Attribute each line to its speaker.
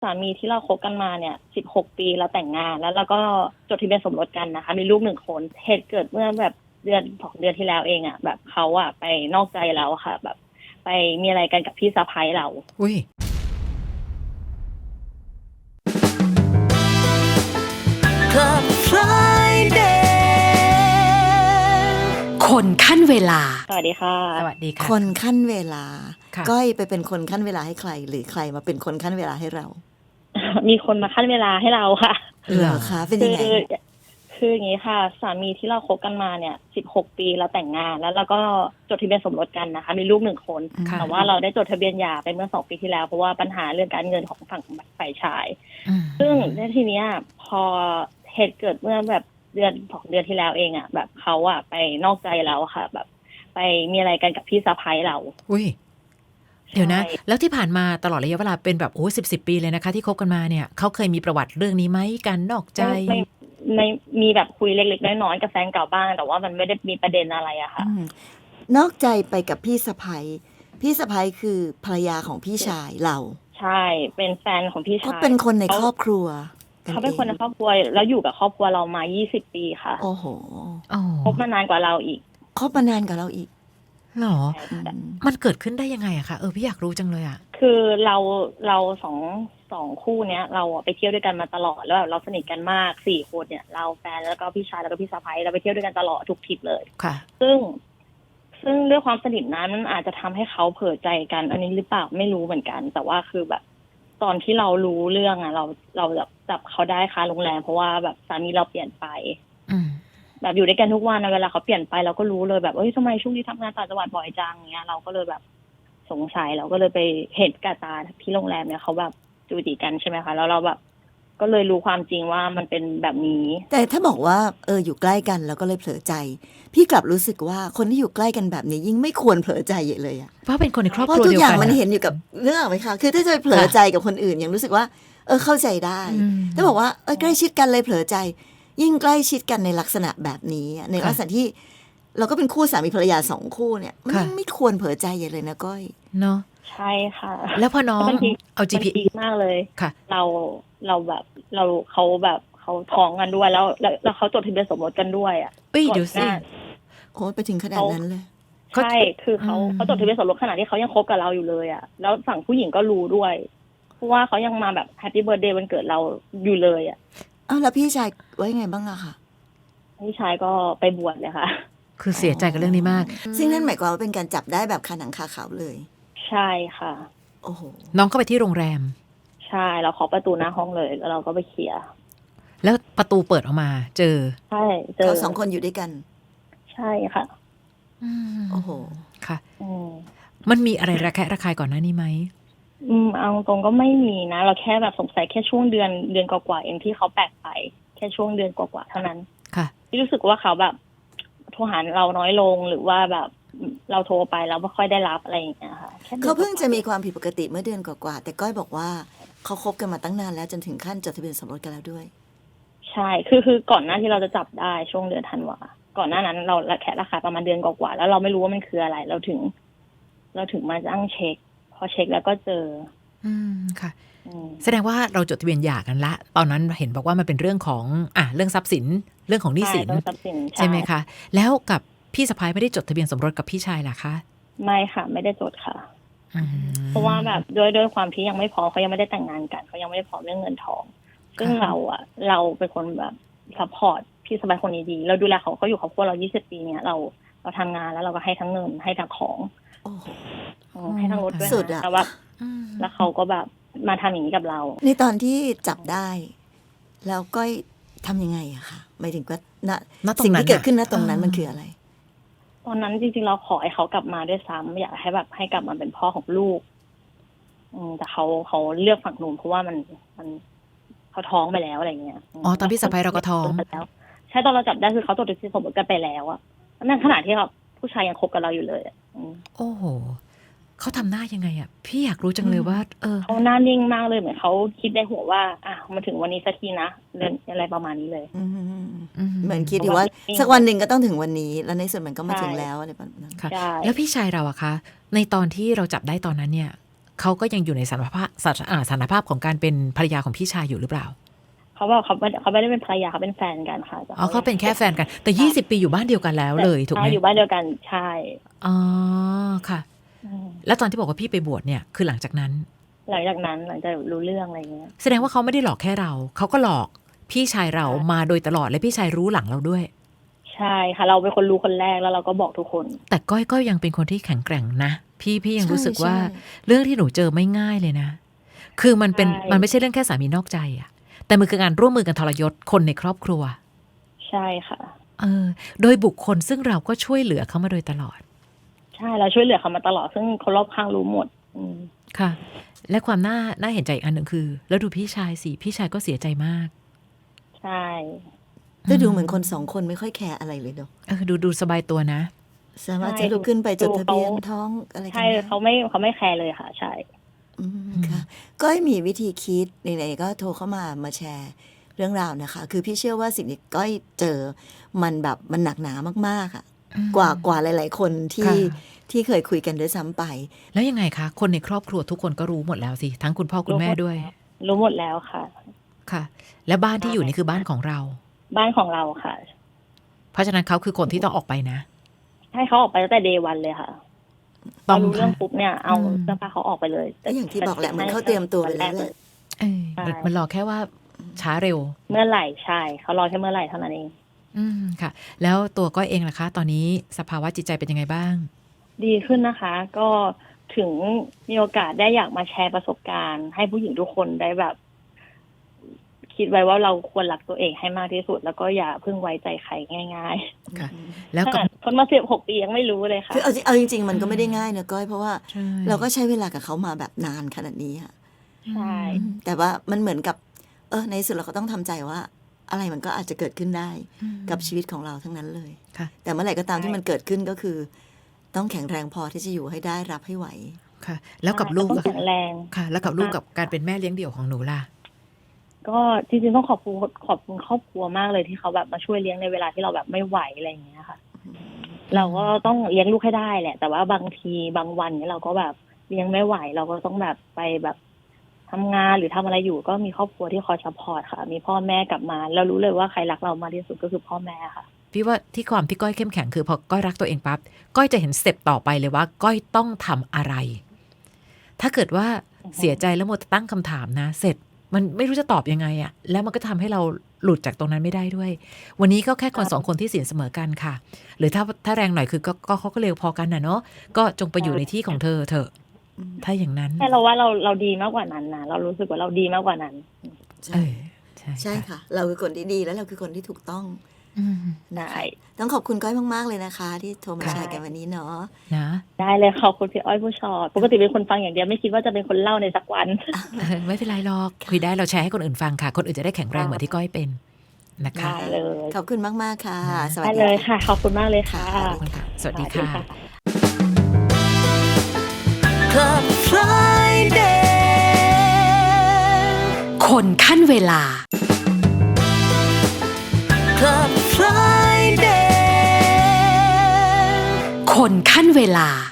Speaker 1: สามีที่เราคบกันมาเนี่ย16 ปีเราแต่งงานแล้วเราก็จดทะเบียนสมรสกันนะคะมีลูก1 คนเหตุเกิดเมื่อแบบ2 เดือนที่แล้วเองอ่ะแบบเขาอ่ะไปนอกใจเราค่ะแบบไปมีอะไรกันกับพี่สะใภ้เรา
Speaker 2: อุ้ย
Speaker 3: Club Friday
Speaker 4: คนขั้นเวลา
Speaker 1: สวัสดีค่ะ
Speaker 2: สวัสดีค่ะ
Speaker 3: คนขั้นเวลา
Speaker 2: ค่ะ
Speaker 3: ก้อยไปเป็นคนขั้นเวลาให้ใคร หรือใครมาเป็นคนขั้นเวลาให้เรา
Speaker 1: มีคนมาขั้นเวลาให้เราค่ะ
Speaker 3: เหรอคะเป็นยังไง
Speaker 1: คืออย่างนี้ค่ะสามีที่เราคบกันมาเนี่ย16 ปีเราแต่งงานแล้วเราก็จดทะเบียนสมรสกันนะคะมีลูก1 คน
Speaker 2: ค่ะ
Speaker 1: แต่ว่าเราได้จดทะเบียนหย่าไปเมื่อ2 ปีที่แล้วเพราะว่าปัญหาเรื่องการเงินของฝั่งฝ่ายชาย
Speaker 2: อืม
Speaker 1: ซึ่งในทีเนี้ยพอเหตุเกิดเมื่อแบบ2 เดือนที่แล้วเองอ่ะแบบเขาอ่ะไปนอกใจเราค่ะ แบบไปมีอะไรกันกับพี่สะใภ้เรา
Speaker 2: อุ้ยเดี๋ยวนะ
Speaker 1: ใช่
Speaker 2: แล้วที่ผ่านมาตลอดระยะเวลาเป็นแบบ10 ปีเลยนะคะที่คบกันมาเนี่ยเขาเคยมีประวัติเรื่องนี้ไหมการนอกใจ
Speaker 1: ไม่มีแบบคุยเล็กๆน้อยๆกับแฟนเก่าบ้างแต่ว่ามันไม่ได้มีประเด็นอะไรอะค่ะ
Speaker 3: นอกใจไปกับพี่สะใภ้พี่สะใภ้คือภรรยาของพี่ชายเรา
Speaker 1: ใช่เป็นแฟนของพี่ชาย
Speaker 3: เขาเป็นคนในครอบครัว
Speaker 1: เขาเป็นคนในครอบครัวแล้วอยู่กับครอบครัวเรามา20 ปีค่ะ
Speaker 3: โอ้โห
Speaker 2: อ๋อ
Speaker 1: คบมานานกว่าเราอีก
Speaker 3: คบมานานกับเราอีก
Speaker 2: เหรอ
Speaker 3: อืม
Speaker 2: มันเกิดขึ้นได้ยังไงอะคะพี่อยากรู้จังเลยอะ
Speaker 1: คือเราสองคู่เนี้ยเราอะไปเที่ยวด้วยกันมาตลอดแล้วแบบเราสนิทกันมาก4 คนเนี่ยเราแฟนแล้วก็พี่ชายแล้วก็พี่สะใภ้เราไปเที่ยวด้วยกันตลอดทุกทริปเลย
Speaker 2: ค่ะ
Speaker 1: ซึ่งด้วยความสนิทนั้นมันอาจจะทำให้เขาเผลอใจกัน อันนี้หรือเปล่าไม่รู้เหมือนกัน แต่ว่าคือแบบ ตอนที่เรารู้เรื่องอะเราแบบจับเขาได้คาโรงแรมเพราะว่าแบบสามีเราเปลี่ยนไป
Speaker 2: อืม
Speaker 1: แบบอยู่ด้วยกันทุกวันนะเวลาเขาเปลี่ยนไปเราก็รู้เลยแบบเอ้ยทำไมช่วงนี้ทำงานต่างจังหวัดบ่อยจังเงี้ยเราก็เลยแบบสงสัยเราก็เลยไปเห็นกับตาที่โรงแรมเนี่ยเขาแบบจูจีกันใช่ไหมคะแล้วเราแบบก็เลยรู้ความจริงว่ามันเป็นแบบนี้
Speaker 3: แต่ถ้าบอกว่าอยู่ใกล้กันแล้วก็เลยเผลอใจ พี่กลับรู้สึกว่าคนที่อยู่ใกล้กันแบบนี้ยิ่งไม่ควรเผลอใจเลยอะ
Speaker 2: เพราะเป็นคนในครอบ
Speaker 3: เพ
Speaker 2: ครั
Speaker 3: ราะ
Speaker 2: ว
Speaker 3: ทุก
Speaker 2: เดียว
Speaker 3: อย่าง
Speaker 2: กัน
Speaker 3: มัน
Speaker 2: อะ
Speaker 3: เห็นอยู่กับเรื่องไหมคะคือถ้าจะไปเผลอใจกับคนอื่นยังรู้สึกว่าเข้าใจได้
Speaker 2: อืม
Speaker 3: ถ้าบอกว่าใกล้ชิดกันเลยเผลอใจ ยิ่งใกล้ชิดกันในลักษณะแบบนี้อะในลักษณะที่เราก็เป็นคู่สามีภรรยา2 คู่เนี่ยมันยิ่งไม่ควรเผลอใจใหญ่เลยนะก้อย
Speaker 2: เนาะ
Speaker 1: ใช่ค่ะ
Speaker 2: แล้วพอน้อง
Speaker 1: มันพีค
Speaker 2: เอา
Speaker 1: มัน
Speaker 2: GP
Speaker 1: พีคมากเลย
Speaker 2: ค่ะ
Speaker 1: เราแบบเขาแบบเขาท้องกันด้วยแล้วเขาจดทะเบียนสมรสกันด้วยอ่ะ
Speaker 2: เอ้ยเดี๋ยว
Speaker 1: ก่
Speaker 2: สิ
Speaker 1: อนหน้า
Speaker 3: โอ้ไปถึงขนาดนั้นเลย
Speaker 2: เขา
Speaker 1: ใช่คือเขา
Speaker 2: อืม
Speaker 1: เขาจดทะเบียนสมรสขณะที่เขายังคบกับเราอยู่เลยอ่ะแล้วฝั่งผู้หญิงก็รู้ด้วยเพราะว่าเขายังมาแบบแฮปปี้เบิร์ดเดย์วันเกิดเราอยู่เลยอ่ะ
Speaker 3: อ้าวแล้วพี่ชายไว้ไงบ้างอะคะ
Speaker 1: พี่ชายก็ไปบวชเลยค่ะ
Speaker 2: คือเสียใจกับเรื่องนี้มาก
Speaker 3: ซึ่งนั่นหมายความว่าเป็นการจับได้แบบคาหนังคาเขาเลย
Speaker 1: ใช่ค่ะ
Speaker 3: โอ้โห
Speaker 2: น้องเข้าไปที่โรงแรม
Speaker 1: ใช่เราเคาะประตูหน้าห้องเลยแล้วเราก็ไปเคลียร์
Speaker 2: แล้วประตูเปิดออกมา เจอ
Speaker 1: ใช่เจอ
Speaker 3: เขา2 คนอยู่ด้วยกัน
Speaker 1: ใช่ค่ะ
Speaker 3: โอ้โห
Speaker 2: ค่ะ
Speaker 1: อืม
Speaker 2: มันมีอะไรระแคะระคายก่อนหน้านี้ไหม
Speaker 1: เอาตรงก็ไม่มีนะ เราแค่แบบสงสัยแค่ช่วงเดือนกว่าๆเองที่เขาแปลกไปแค่ช่วงเดือนกว่าๆเท่านั้น
Speaker 2: ค่ะ
Speaker 1: ที่รู้สึกว่าเขาแบบโทรหาเราน้อยลงหรือว่าแบบเราโทรไปแล้วไม่ค่อยได้รับอะไรอย่างเงี้ยค่ะแค่ดือน
Speaker 3: เขาเพิ่งจะมี
Speaker 1: กว่
Speaker 3: ความผิดปกติเมื่อเดือนกว่าๆแต่ก้อยบอกว่าเขาคบกันมาตั้งนานแล้วจนถึงขั้นจดทะเบียนสมรสกันแล้วด้วย
Speaker 1: ใช่คือก่อนหน้าที่เราจะจับได้ช่วงเดือนธันวาก่อนหน้านั้นเราแค่ราคาประมาณเดือนกว่าๆแล้วเราไม่รู้ว่ามันคืออะไร เราถึงมาตั้งเช็ค พอเช็คแล้วก็เจอ
Speaker 2: อืมค่ะ
Speaker 1: อืม
Speaker 2: แสดงว่าเราจดทะเบียนหย่ากันละ ตอนนั้นเห็นบอกว่ามันเป็นเรื่องของเรื่องทรัพย์สินเรื่องของหนี้สิน
Speaker 1: ใช่ต้องทรัพย์สิน
Speaker 2: ใช่ไหมคะ แล้วกับพี่สะพ้ายไม่ได้จดทะเบียนสมรสกับพี่ชายล่ะคะ
Speaker 1: ไม่ค่ะ ไม่ได้จดค่ะ
Speaker 2: อืม
Speaker 1: เพราะว่าแบบด้วยความที่ยังไม่พร้อมเขายังไม่ได้แต่งงานกันเขายังไม่ได้พร้อมเรื่องเงินทอง ซึ่งเราเป็นคนแบบซัพพอร์ตพี่สบายคนนี้ดี เราดูแลเขาอยู่ครอบครัวเรา20 ปีเนี่ยเราทำงานแล้วเราก็ให้ทั้งเงินให้ทั้งของ
Speaker 3: โอ้โห
Speaker 1: ให้ทั้งรถด้วย
Speaker 3: สุดอะ
Speaker 1: แต่ว่า
Speaker 2: อืม
Speaker 1: แล้วเขาก็แบบมาทำอย่างนี้กับเรา
Speaker 3: ในตอนที่จับได้ แล้วก้อยทำยังไงอะคะหมายถึงว่าณ
Speaker 2: ณตรงนั้น
Speaker 3: สิ่งที่เกิดขึ้นณ
Speaker 2: น่ะ
Speaker 3: ตรงนั้นมันคืออะไร
Speaker 1: ตอนนั้นจริงๆเราขอให้เขากลับมาด้วยซ้ำอยากให้แบบให้กลับมาเป็นพ่อของลูก แต่เขาเลือกฝั่งนู้นเพราะว่ามันเขาท้องไปแล้วอะไรเงี้ย
Speaker 2: อ๋อตอนพี่สะพ้ายเราก็ท้อง
Speaker 1: แล้วใช่ตอนเราจับได้คือเขาจดทะเบียนสมรสกันไปแล้วอะนั่นขณะที่เขาผู้ชายยังคบกับเราอยู่เลยอะอืม
Speaker 2: โอ้โหเขาทำหน้ายังไงอ่ะ พี่อยากรู้จังเลยว่า
Speaker 1: เขาหน้านิ่งมากเลยเหมือนเขาคิดในหัวว่ามาถึงวันนี้สักทีนะเรื่องอะไรประมาณนี้เลย
Speaker 3: อืม
Speaker 2: อืม
Speaker 3: เหมือนคิดอยู่ว่าสักวันหนึ่งก็ต้องถึงวันนี้ แล้วในส่วนมันก็มา
Speaker 1: ใช่
Speaker 3: ถึงแล้วอะไรแบบนั้น
Speaker 2: ค่ะ
Speaker 1: ใช่
Speaker 2: แล้วพี่ชายเราอะคะ ในตอนที่เราจับได้ตอนนั้นเนี่ยเขาก็ยังอยู่ในสถานภาพของการเป็นภรรยาของพี่ชายอยู่หรือเปล่า
Speaker 1: เขาบอกเขาไม่ได้เป็นภรรยาเขาเป็นแฟนกันค่ะแต่
Speaker 2: อ๋อเขาเป็นแค่แฟนกันแต่20 ปีอยู่บ้านเดียวกันแล้วเลยถูกไหม
Speaker 1: อยู่บ้านเดียวกันใช่
Speaker 2: อ๋อค่ะแล้วตอนที่บอกว่าพี่ไปบวชเนี่ยคือหลังจากนั้น
Speaker 1: หลังจากรู้เรื่องอะไรเงี้ย
Speaker 2: แสดงว่าเขาไม่ได้หลอกแค่เราเขาก็หลอกพี่ชายเรามาโดยตลอดและพี่ชายรู้หลังเราด้วย
Speaker 1: ใช่ค่ะเราเป็นคนรู้คนแรกแล้วเราก็บอกทุกคน
Speaker 2: แต่ก้อยก็ยังเป็นคนที่แข็งแกร่งนะพี่ยัง
Speaker 3: ใช่
Speaker 2: รู้สึกว่า
Speaker 3: ใช่
Speaker 2: เรื่องที่หนูเจอไม่ง่ายเลยนะคือมันเป็น
Speaker 1: ใช่
Speaker 2: มันไม่ใช่เรื่องแค่สามีนอกใจอะแต่มันคือการร่วมมือกันทรยศคนในครอบครัว
Speaker 1: ใช่ค่ะ
Speaker 2: โดยบุคคลซึ่งเราก็ช่วยเหลือเขามาโดยตลอด
Speaker 1: ใช่เราช่วยเหลือเขามาตลอดซึ่งคนรอบข้างรู้หมด
Speaker 2: ค่ะ และความน่าเห็นใจอีกอันหนึ่งคือ แล้วดูพี่ชายสิพี่ชายก็เสียใจมาก
Speaker 1: ใช่
Speaker 3: แต่ดูเหมือนคนสองคนไม่ค่อยแคร์อะไรเลยเนาะ
Speaker 2: ดูสบายตัวนะ
Speaker 3: สามารถจะลุกขึ้นไปจดทะเบียนท้องอะไรกัน
Speaker 1: ใช่
Speaker 3: ได้
Speaker 1: เขาไม่แคร์เลยค่ะใช่
Speaker 3: ค่ะก้อยมีวิธีคิดไหนๆก็โทรเข้ามาแชร์เรื่องราวนะคะ คือพี่เชื่อว่าสิ่งที่ก้อยเจอมันแบบมันหนักหนามากๆอ่ะกว่าหลายๆคนที่เคยคุยกันด้วยซ้ำไป
Speaker 2: แล้วยังไงคะคนในครอบครัวทุกคนก็รู้หมดแล้วสิทั้งคุณพ่อคุณแม่ด้วย
Speaker 1: รู้หมดแล้วค่ะ
Speaker 2: ค่ะ และบ้านที่อยู่นี่คือบ้านของเรา
Speaker 1: บ้านของเราค่ะ
Speaker 2: เพราะฉะนั้นเขาคือคนที่ต้องออกไปนะ
Speaker 1: ให้เขาออกไปตั้งแต่เดย์วันเลยค่ะพอรู้เรื่องปุ๊บเนี่ยเอาเสื้อผ้าเขาออกไปเลย
Speaker 3: ก็อย่างที่บอกแหละเหมือนเขาเตรียมตัวไปแล้วแหละ
Speaker 2: มันรอแค่ว่าช้าเร็ว
Speaker 1: เมื่อไหร่ใช่เขารอแค่เมื่อไหร่เท่านั้นเอง
Speaker 2: ค่ะ แล้วตัวก้อยเองล่ะคะ ตอนนี้สภาวะจิตใจเป็นยังไงบ้าง
Speaker 1: ดีขึ้นนะคะ ก็ถึงมีโอกาสได้อยากมาแชร์ประสบการณ์ ให้ผู้หญิงทุกคนได้แบบ คิดไว้ว่าเราควรรักตัวเองให้มากที่สุด แล้วก็อย่าเพิ่งไว้ใจใครง่าย
Speaker 2: ค่ะ แล้ว
Speaker 1: ๆ
Speaker 2: กับ
Speaker 1: ทนมา16 ปียังไม่รู้เลยค่ะ
Speaker 3: คือเอาจริงๆมันก็ไม่ได้ง่ายนะก้อยเพราะว่า
Speaker 2: ใช่
Speaker 3: เราก็ใช้เวลากับเขามาแบบนานขนาดนี้อะ
Speaker 1: ใช่
Speaker 3: แต่ว่ามันเหมือนกับในที่สุดเราก็ต้องทำใจว่า อะไรมันก็อาจจะเกิดขึ้นได้กับชีวิตของเราทั้งนั้นเลย
Speaker 2: ค่ะ
Speaker 3: แต่เมื่อไหร่ก็ตามที่มันเกิดขึ้นก็คือ ต้องแข็งแรงพอที่จะอยู่ให้ได้รับให้ไหว
Speaker 2: ค่ะ แล้วกับลูก
Speaker 1: ต้อง
Speaker 2: อะ
Speaker 1: แข็งแรง
Speaker 2: ค่ะ แล้วกับลูกกับการเป็นแม่เลี้ยงเดี่ยวของหนูล่ะ
Speaker 1: ก็จริงๆต้องขอบคุณครอบครัวมากเลยที่เขาแบบมาช่วยเลี้ยงในเวลาที่เราแบบไม่ไหวอะไรอย่างเงี้ยค่ะ เราก็ต้องเลี้ยงลูกให้ได้แหละ แต่ว่าบางทีบางวันเนี่ยเราก็แบบเลี้ยงไม่ไหว เราก็ต้องแบบไปแบบทำงานหรือทำอะไรอยู่ ก็มีครอบครัวที่คอยซัพพอร์ตค่ะ มีพ่อแม่กลับมาเรารู้เลยว่าใครรักเรามากที่สุดก็คือพ่อแม่ค่ะ
Speaker 2: พี่ว่าที่ความที่ก้อยเข้มแข็งคือพอก้อยรักตัวเองปั๊บก้อยจะเห็นสเต็ปต่อไปเลยว่า ก้อยต้องทำอะไร ถ้าเกิดว่าเสียใจแล้วมัวแต่ตั้งคำถามนะ เสร็จมันไม่รู้จะตอบยังไงอะแล้วมันก็ทำให้เราหลุดจากตรงนั้นไม่ได้ด้วย วันนี้ก็แค่คนสองคนที่สินเสมอกันค่ะ หรือถ้าแรงหน่อยคือก็เขาก็เร็วพอกันนะเนาะก็จงไปอยู่ในที่ของเธอเถอะถ้าอย่างนั้น
Speaker 1: แต่เราว่าเราดีมากกว่านั้นนะเรารู้สึกว่าเราดีมากกว่านั้น
Speaker 3: ใช่ค่ะ เราคือคนที่ดีแล้วเราคือคนที่ถูกต้อง
Speaker 1: ได้
Speaker 3: ต้องขอบคุณก้อยมากๆเลยนะคะ ที่โทรมาแชร์กันวันนี้เนาะ
Speaker 2: นะ
Speaker 1: ได้เลยขอบคุณพี่อ้อยผู้ชอดปกติเป็นคนฟังอย่างเดียวไม่คิดว่าจะเป็นคนเล่าในสักวัน
Speaker 2: ไม่เป็นไรหรอกคุยได้เราแชร์ให้คนอื่นฟังค่ะ คนอื่นจะได้แข็งแรงเหมือนที่ก้อยเป็นนะคะ
Speaker 1: ได้เลย
Speaker 3: ขอบคุณมากๆค่ะ สวัส
Speaker 1: ได้
Speaker 3: ดี
Speaker 1: เลย
Speaker 3: ค่ะ
Speaker 1: ค่ะ ขอบคุณมากเลยค่ะ
Speaker 2: ขอบคุณค่ะสวัสดีค่ะ
Speaker 3: Club Friday
Speaker 4: คนขั้นเวลา
Speaker 3: Club Friday
Speaker 4: คนขั้นเวลา